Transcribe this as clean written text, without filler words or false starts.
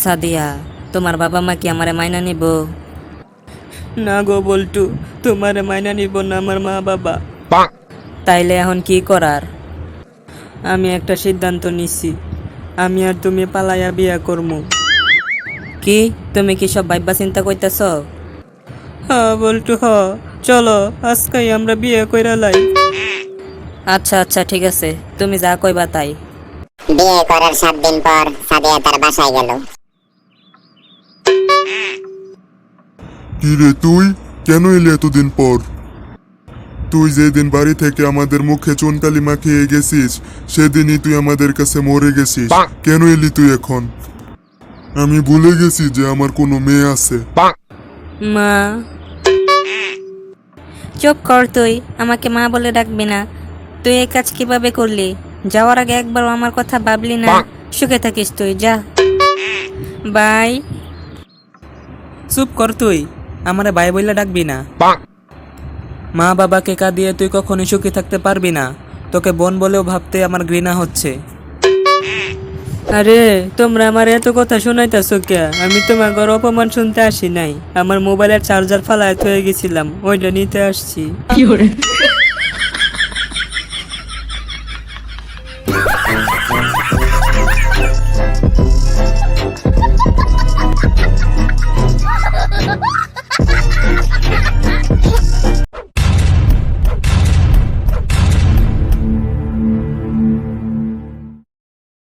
সাদিয়া, তোমার বাবা মা কি আমারে মাইনা নিব? না গো বল্টু, তোমারে মাইনা নিব না আমার মা বাবা। তাইলে এখন কি করার? আমি একটা সিদ্ধান্ত নিছি, আমি আর তুমি পালাইয়া বিয়া করমু। কি তুমি কি সব ভাইবা চিন্তা করতেছ? বল্টু চলো আজকাই আমরা বিয়ে কইরা লাই। আচ্ছা আচ্ছা ঠিক আছে, তুমি যা কইবা তাই। বিয়ে করার 7 দিন পর সাদিয়া তার বাসায় গেল। কি রে তুই কেন এলি এতদিন পর? তুই যেদিন বাড়ি থেকে আমাদের মুখে চুনকালি মাখিয়ে গেছিস সেদিনই তুই আমাদের কাছে মরে গেছিস। কেন এলি তুই এখন? আমি ভুলে গেছি যে আমার কোনো মেয়ে আছে। মা, চুপ কর তুই, আমাকে মা বলে ডাকবি না। তুই এই কাজ কিভাবে করলি? যাওয়ার আগে একবার আমার কথা ভাবলি না? সুখে থাকিস তুই, যা বাই। চুপ কর তুই, আমারে ভাই বইলা ডাকবি না। মা বাবাকে কাঁদিয়ে তুই কখনোই সুখী থাকতে পারবি না। তোকে বোন বলেও ভাবতে আমার ঘৃণা হচ্ছে। আরে তোমরা আমার এত কথা শোনাইতেছো কে? আমি তোমার ঘর অপমান শুনতে আসি নাই, আমার মোবাইলের চার্জার ফালায় হয়ে গেছিলাম, ওইটা নিতে আসছি।